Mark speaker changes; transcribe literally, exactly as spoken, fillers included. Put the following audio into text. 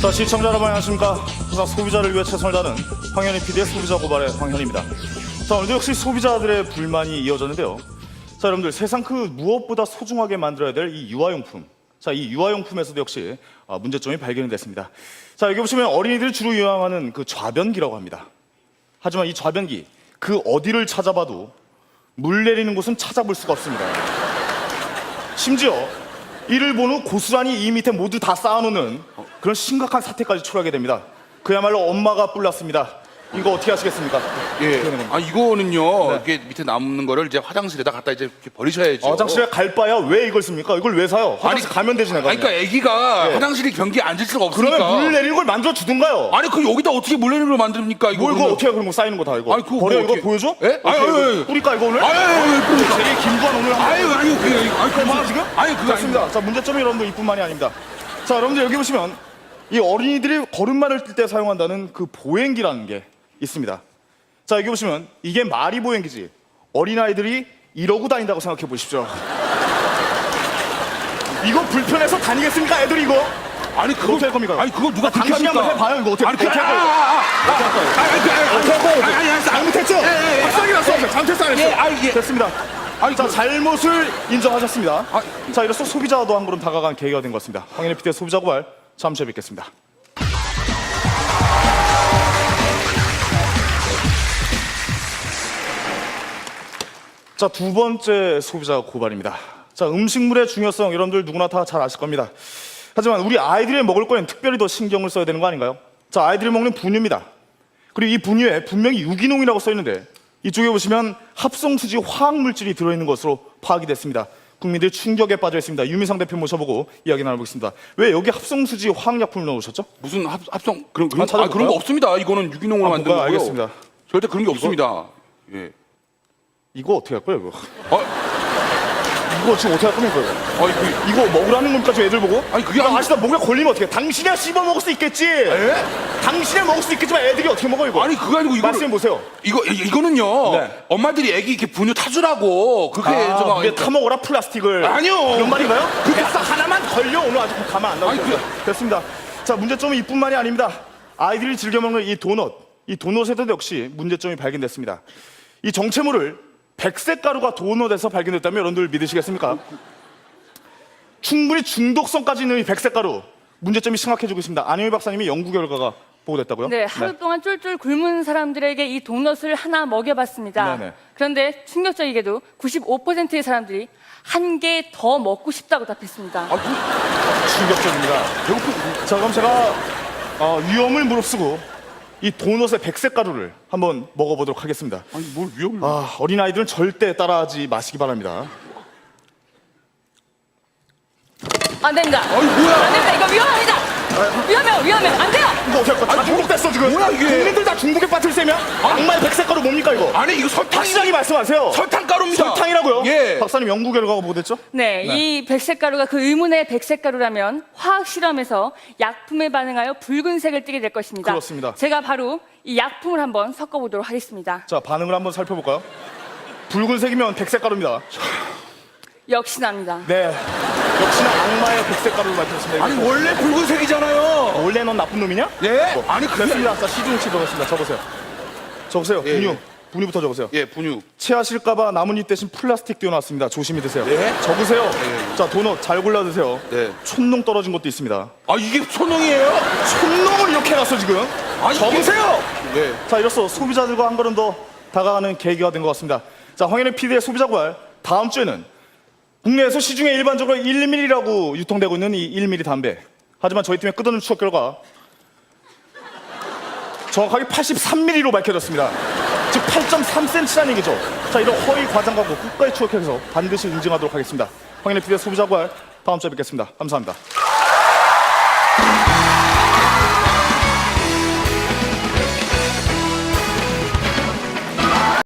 Speaker 1: 자, 시청자 여러분 안녕하십니까. 항상 소비자를 위해 최선을 다하는 황현희 피디의 소비자 고발의 황현희입니다. 자, 오늘도 역시 소비자들의 불만이 이어졌는데요. 자, 여러분들 세상 그 무엇보다 소중하게 만들어야 될 이 유아용품. 자, 이 유아용품에서도 역시 문제점이 발견이 됐습니다. 자, 여기 보시면 어린이들이 주로 이용하는 그 좌변기라고 합니다. 하지만 이 좌변기 그 어디를 찾아봐도 물 내리는 곳은 찾아볼 수가 없습니다. 심지어 이를 본 후 고스란히 이 밑에 모두 다 쌓아놓는 그런 심각한 사태까지 초래하게 됩니다. 그야말로 엄마가 뿔났습니다. 이거 어떻게 하시겠습니까?
Speaker 2: 예. 아 이거는요.
Speaker 1: 네.
Speaker 2: 이렇게 밑에 남는 거를 이제 화장실에다 갖다 이제 이렇게 버리셔야죠.
Speaker 1: 어, 화장실에 갈 바야 왜 이걸 씁니까? 이걸 왜 사요? 화장실
Speaker 2: 아니,
Speaker 1: 가면 되지 내가.
Speaker 2: 아니, 그러니까 애기가
Speaker 1: 예.
Speaker 2: 화장실에 변기에 앉을 수가 없으니까.
Speaker 1: 그러면 물 내리는 걸 만들어 주든가요?
Speaker 2: 아니 그 여기다 어떻게 물 내리는 걸 만듭니까? 이거
Speaker 1: 뭘 그거
Speaker 2: 그러면.
Speaker 1: 어떻게 그런 거 쌓이는 거 다 이거.
Speaker 2: 아니, 그거
Speaker 1: 버려
Speaker 2: 뭐
Speaker 1: 이거
Speaker 2: 어떻게-
Speaker 1: 보여줘?
Speaker 2: 예?
Speaker 1: 어떻게
Speaker 2: 아니,
Speaker 1: 이거
Speaker 2: 아니, 아니.
Speaker 1: 뿌릴까 이거 오늘?
Speaker 2: 아니, 아니, 아니, 아니, 그러니까.
Speaker 1: 되게 김구한 오늘 한번.
Speaker 2: 아유 아니 그게 아니
Speaker 1: 그만
Speaker 2: 그만
Speaker 1: 지금?
Speaker 2: 아니 그거
Speaker 1: 좋습니다. 자, 문제점이 여러분들 이뿐만이 아닙니다. 자, 여러분들 여기 보시면 이 어린이들이 걸음마를 뛸 때 사용한다는 그 보행기라는 게 있습니다. 자, 여기 보시면 이게 말이 보행기지 어린아이들이 이러고 다닌다고 생각해 보십시오. 이거 불편해서 다니겠습니까 애들이 이거?
Speaker 2: 아니 그거
Speaker 1: 어떻게 할 겁니까?
Speaker 2: 아니 그거 누가 그렇게
Speaker 1: 당신이
Speaker 2: 합니까?
Speaker 1: 한번 해봐요 이거 어떻게
Speaker 2: 아니 그
Speaker 1: 어떻게 할
Speaker 2: 아,
Speaker 1: 거예요?
Speaker 2: 아, 아,
Speaker 1: 어떻게 할 거예요?
Speaker 2: 아, 아니, 아니, 아니,
Speaker 1: 어떻게 할 거예요?
Speaker 2: 아니, 아니, 아니,
Speaker 1: 잘못했죠?
Speaker 2: 예, 예, 예.
Speaker 1: 박상이 났어. 잘못했어 안 했어?
Speaker 2: 예, 아, 예.
Speaker 1: 됐습니다.
Speaker 2: 아니,
Speaker 1: 자,
Speaker 2: 그-
Speaker 1: 잘못을 인정하셨습니다.
Speaker 2: 아,
Speaker 1: 자, 이로써 소비자와도 한 걸음 다가간 계기가 된 것 같습니다. 황현희 피디의 소비자 고발 잠시 후에 뵙겠습니다. 자, 두 번째 소비자 고발입니다. 자, 음식물의 중요성 여러분들 누구나 다 잘 아실 겁니다. 하지만 우리 아이들이 먹을 거엔 특별히 더 신경을 써야 되는 거 아닌가요? 자, 아이들이 먹는 분유입니다. 그리고 이 분유에 분명히 유기농이라고 써 있는데 이쪽에 보시면 합성수지 화학물질이 들어있는 것으로 파악이 됐습니다. 국민들이 충격에 빠져 있습니다. 유미상 대표 모셔보고 이야기 나눠보겠습니다. 왜 여기 합성수지 화학약품을 넣으셨죠?
Speaker 2: 무슨 합, 합성 그런 그런
Speaker 1: 아,
Speaker 2: 거- 아, 그런 거
Speaker 1: 찾아볼까요?
Speaker 2: 없습니다. 이거는 유기농으로
Speaker 1: 아,
Speaker 2: 만든
Speaker 1: 뭔가요?
Speaker 2: 거고요.
Speaker 1: 알겠습니다.
Speaker 2: 절대 그런 게 없습니다. 예.
Speaker 1: 이거 어떻게 할 거예요? 이거,
Speaker 2: 어?
Speaker 1: 이거 지금 어떻게 할 겁니까? 이거?
Speaker 2: 아니 그
Speaker 1: 이거 먹으라는 겁니까? 저 애들 보고?
Speaker 2: 아니, 그게
Speaker 1: 나
Speaker 2: 아니-
Speaker 1: 아시다 목에 걸리면 어떻게 해? 당신이야 씹어 먹을 수 있겠지? 당신이야 먹을 수 있겠지만 애들이 어떻게 먹어 이거?
Speaker 2: 아니 그거 아니고 이거
Speaker 1: 말씀해 보세요.
Speaker 2: 이거 이- 이거는요.
Speaker 1: 네.
Speaker 2: 엄마들이 애기 이렇게 분유 타주라고 그게
Speaker 1: 아,
Speaker 2: 저거
Speaker 1: 목에 타먹어라 플라스틱을.
Speaker 2: 아니요.
Speaker 1: 그런 말인가요? 그 뱃살 하나만 걸려 오늘 아주 가만 안 나오죠.
Speaker 2: 아니, 그-
Speaker 1: 됐습니다. 자, 문제점은 이뿐만이 아닙니다. 아이들이 즐겨 먹는 이 도넛, 이 도넛에도 역시 문제점이 발견됐습니다. 이 정체물을 백색 가루가 도넛에서 발견됐다면 여러분들 믿으시겠습니까? 충분히 중독성까지 있는 이 백색 가루 문제점이 심각해지고 있습니다. 안효희 박사님이 연구 결과가 보고됐다고요?
Speaker 3: 네, 하루 동안 쫄쫄 굶은 사람들에게 이 도넛을 하나 먹여봤습니다.
Speaker 1: 네네.
Speaker 3: 그런데 충격적이게도 구십오 퍼센트의 사람들이 한 개 더 먹고 싶다고 답했습니다.
Speaker 2: 아, 그,
Speaker 1: 충격적입니다.
Speaker 2: 배고프
Speaker 1: 자, 그럼 제가 어, 위험을 무릅쓰고 이 도넛의 백색 가루를 한번 먹어보도록 하겠습니다.
Speaker 2: 아니 뭘 위험을
Speaker 1: 아, 어린아이들은 절대 따라하지 마시기 바랍니다.
Speaker 3: 안 됩니다.
Speaker 2: 아니, 뭐야.
Speaker 3: 안 됩니다. 이거 위험합니다. 위험해요, 위험해요. 안 돼요.
Speaker 1: 이거 어떻게 할 거야? 다 중독됐어 지금.
Speaker 2: 뭐야, 이게?
Speaker 1: 국민들 다 중독에 빠질 셈이야? 악마의 백색 가루 뭡니까 이거?
Speaker 2: 아니 이거 설탕
Speaker 1: 확실하게 말씀하세요.
Speaker 2: 설탕가루입니다.
Speaker 1: 설탕이라고요?
Speaker 2: 예.
Speaker 1: 박사님 연구 결과가 뭐됐죠?
Speaker 3: 네, 이 백색 가루가 그 의문의 백색 가루라면 화학 실험에서 약품에 반응하여 붉은색을 띠게 될 것입니다.
Speaker 1: 그렇습니다.
Speaker 3: 제가 바로 이 약품을 한번 섞어보도록 하겠습니다.
Speaker 1: 자, 반응을 한번 살펴볼까요? 붉은색이면 백색 가루입니다.
Speaker 3: 역시납니다.
Speaker 1: 네, 역시나 악마의 백색 가루를 밝혔습니다.
Speaker 2: 아니 원래 붉은색이잖아요.
Speaker 1: 원래 넌 나쁜 놈이냐?
Speaker 2: 예?
Speaker 1: 뭐,
Speaker 2: 아니 그게
Speaker 1: 됐습니다. 자, 시중치 적었습니다. 적으세요. 적으세요.
Speaker 2: 예,
Speaker 1: 분유.
Speaker 2: 예.
Speaker 1: 분유부터 적으세요.
Speaker 2: 예 분유.
Speaker 1: 체하실까봐 나뭇잎 대신 플라스틱 띄워놨습니다. 조심히 드세요.
Speaker 2: 네.
Speaker 1: 적으세요.
Speaker 2: 네.
Speaker 1: 자, 도넛 잘 골라 드세요.
Speaker 2: 네.
Speaker 1: 촌농 떨어진 것도 있습니다.
Speaker 2: 아 이게 소농이에요?
Speaker 1: 촌농을 이렇게 해놨어 지금.
Speaker 2: 아니,
Speaker 1: 적으세요.
Speaker 2: 네.
Speaker 1: 자, 이로써 소비자들과 한 걸음 더 다가가는 계기가 된 것 같습니다. 자, 황현희 피디의 소비자 고발 다음 주에는 국내에서 시중에 일반적으로 일 밀리리터라고 유통되고 있는 이 일 밀리리터 담배. 하지만 저희 팀의 끝없는 추적 결과 정확하게 팔십삼 밀리리터로 밝혀졌습니다. 즉 팔 점 삼 센티미터라는 얘기죠. 자, 이런 허위 과장과 끝까지 추적해서 반드시 인증하도록 하겠습니다. 황현희 피디의 소비자 고발 다음 주에 뵙겠습니다. 감사합니다.